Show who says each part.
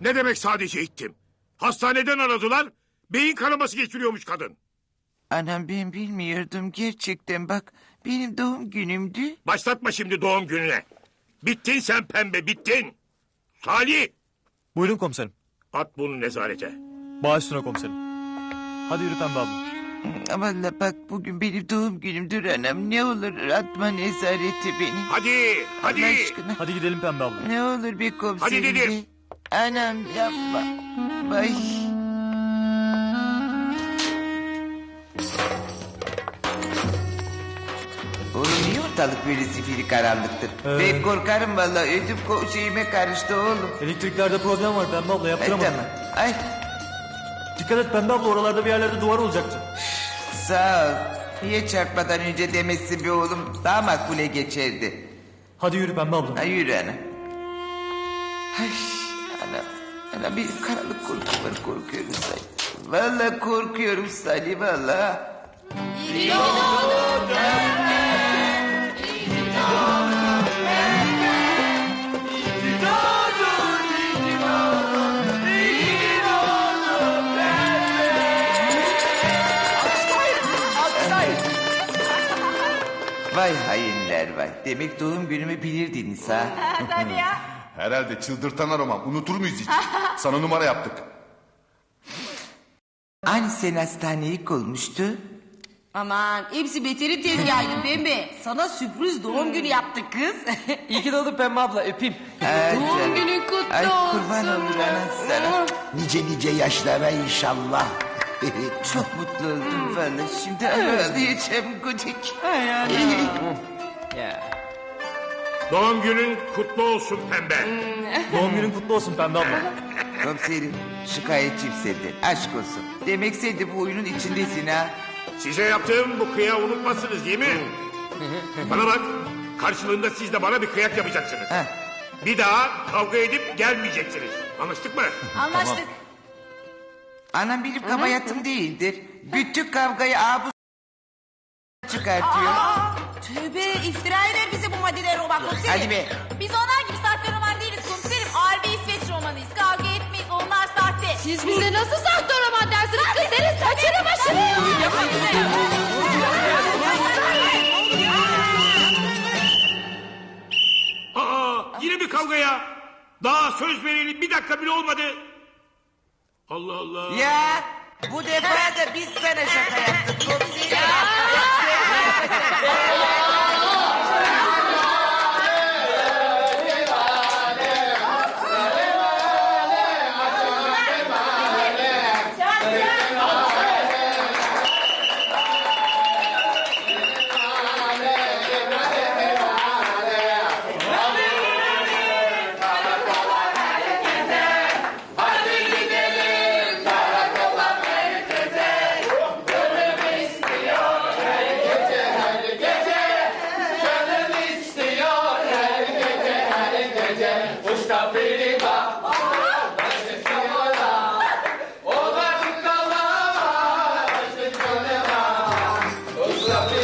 Speaker 1: Ne demek sadece ittim? Hastaneden aradılar. Beyin kanaması geçiriyormuş kadın.
Speaker 2: Anam ben bilmiyordum gerçekten bak. Benim doğum günümdü.
Speaker 1: Başlatma şimdi doğum gününe. Bittin sen pembe, bittin. Salih,
Speaker 3: Buyurun komiserim.
Speaker 1: at bunu nezarete.
Speaker 3: Baş üstüne komiserim. Hadi yürü Pembe abla.
Speaker 2: Valla bak bugün benim doğum günümdür anam. Ne olur atma nezareti beni.
Speaker 1: Hadi, hadi.
Speaker 2: Allah aşkına.
Speaker 3: Hadi gidelim Pembe abla.
Speaker 2: Ne olur bir komiserim.
Speaker 1: Hadi dedim.
Speaker 2: be. Anam yapma. Vay. Oğlum niye ortalık böyle zifiri karanlıktır? Ben korkarım vallahi ödüm şeyime karıştı oğlum.
Speaker 3: Elektriklerde problem var Pembe abla,
Speaker 2: Ay
Speaker 3: yaptıramadım.
Speaker 2: tamam. Ay
Speaker 3: Dikkat et Pembe abla, oralarda bir yerlerde duvar olacaktı.
Speaker 2: sağ ol. Niye çarpmadan önce demezsin be oğlum? Daha makbule geçerdi.
Speaker 3: Hadi yürü Pembe abla.
Speaker 2: Ay yürü ana. Ay ana. Ana bir karanlık korkum var, korkuyorum Salih. Vallahi korkuyorum Salih vallahi. Vay hainler vay. Demek doğum günümü bilirdiniz ha.
Speaker 4: Tabii ya.
Speaker 5: Herhalde çıldırtan aroman. Unutur muyuz hiç? Sana numara yaptık.
Speaker 2: Hani sen hastaneye ilk olmuştu?
Speaker 4: Aman hepsi beteri tezgahıydı Pembe. Sana sürpriz doğum günü yaptık kız.
Speaker 6: İyi ki doğdun Pembe abla, öpeyim.
Speaker 2: Ay
Speaker 4: Doğum
Speaker 2: canım.
Speaker 4: günün kutlu
Speaker 2: Ay
Speaker 4: olsun.
Speaker 2: kurban olur anan sana.
Speaker 7: Nice nice yaşlara inşallah.
Speaker 2: Çok mutlu oldum valla. Şimdi ağlayacağım Gudik.
Speaker 6: Ya.
Speaker 1: Doğum günün kutlu olsun pembe.
Speaker 3: Doğum günün kutlu olsun Pembe abla.
Speaker 2: Komiserim şikayetçiyim senden. Aşk olsun. Demek sen de bu oyunun içindesin ha.
Speaker 1: Size yaptığım bu kıyağı unutmazsınız değil mi? Bana bak, karşılığında siz de bana bir kıyak yapacaksınız.
Speaker 2: Heh.
Speaker 1: Bir daha kavga edip gelmeyeceksiniz. Anlaştık mı?
Speaker 4: Anlaştık.
Speaker 2: Anam benim kabayatım değildir. Bütün kavgayı abu çıkartıyor.
Speaker 4: Tövbe iftira eder bize bu maddeler roman komiserim.
Speaker 2: Hadi be.
Speaker 8: Biz onlar gibi sahte roman değiliz komiserim. Ağır bir İsveç romanıyız. Kavga etmeyiz. Onlar sahte.
Speaker 4: Siz bize nasıl sahte roman dersiniz kız? Senin saçını başını.
Speaker 1: Aa, yine bir kavgaya. Daha söz vereli bir dakika bile olmadı. Allah Allah.
Speaker 2: Ya bu defa da biz sana şaka yaptık komiserim.
Speaker 5: Usta